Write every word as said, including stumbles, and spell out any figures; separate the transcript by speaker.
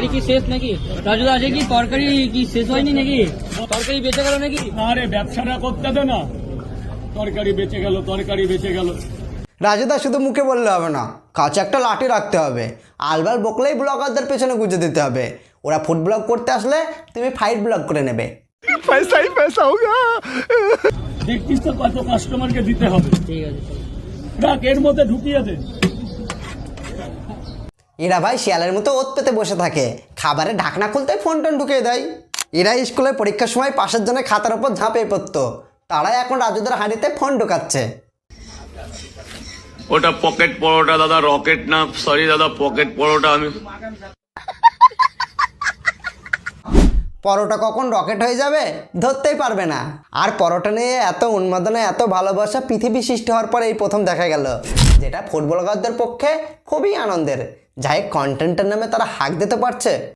Speaker 1: তরকারি কি শেষ নাকি? রাজুদা আছে কি তরকারি কি শেষ হয়নি নাকি? তরকারি বেঁচে গেল নাকি?
Speaker 2: আরে ব্যবসাটা করতে দে না, তরকারি বেঁচে গেল, তরকারি বেঁচে গেল।
Speaker 3: রাজুদা শুধু মুখে বললে হবে না, কাছে একটা লাঠি রাখতে হবে। আলবাল বকলেই ব্লগারদের পেছনে গুঁজে দিতে হবে। ওরা ফুড ব্লগ করতে আসলে তুমি ফাইট ব্লগ করে নেবে।
Speaker 4: পয়সাই পয়সা হোগা।
Speaker 2: দেখছিস তো কত কাস্টমারকে দিতে হবে।
Speaker 1: ঠিক আছে চলো।
Speaker 2: রাখ, এর মধ্যে ঢুকিয়ে দে।
Speaker 3: এরা ভাই শিয়ালের মতো ওত পেতে বসে থাকে, খাবারে ঢাকনা খুলতে ফোন টোন ঢুকিয়ে দেয়। এরা স্কুলে পরীক্ষার সময় পাশের জন্য খাতার উপর ঝাঁপিয়ে পড়তো, তারাই এখন রাজুদের হাঁড়িতে ফোন ঢোকাচ্ছে।
Speaker 5: ওটা পকেট পরোটা দাদা, রকেট না, সরি দাদা, পকেট পরোটা। আমি
Speaker 3: পরোটা কখন রকেট হয়ে যাবে ধরতেই পারবে না। আর পরোটা নিয়ে এত উন্মাদনা, এত ভালোবাসা পৃথিবী সৃষ্টি হওয়ার পরে এই প্রথম দেখা গেল, যেটা ফুটবলারদের পক্ষে খুবই আনন্দের। যাই কন্টেন্টের নামে তারা হাঁক দিতে পারছে।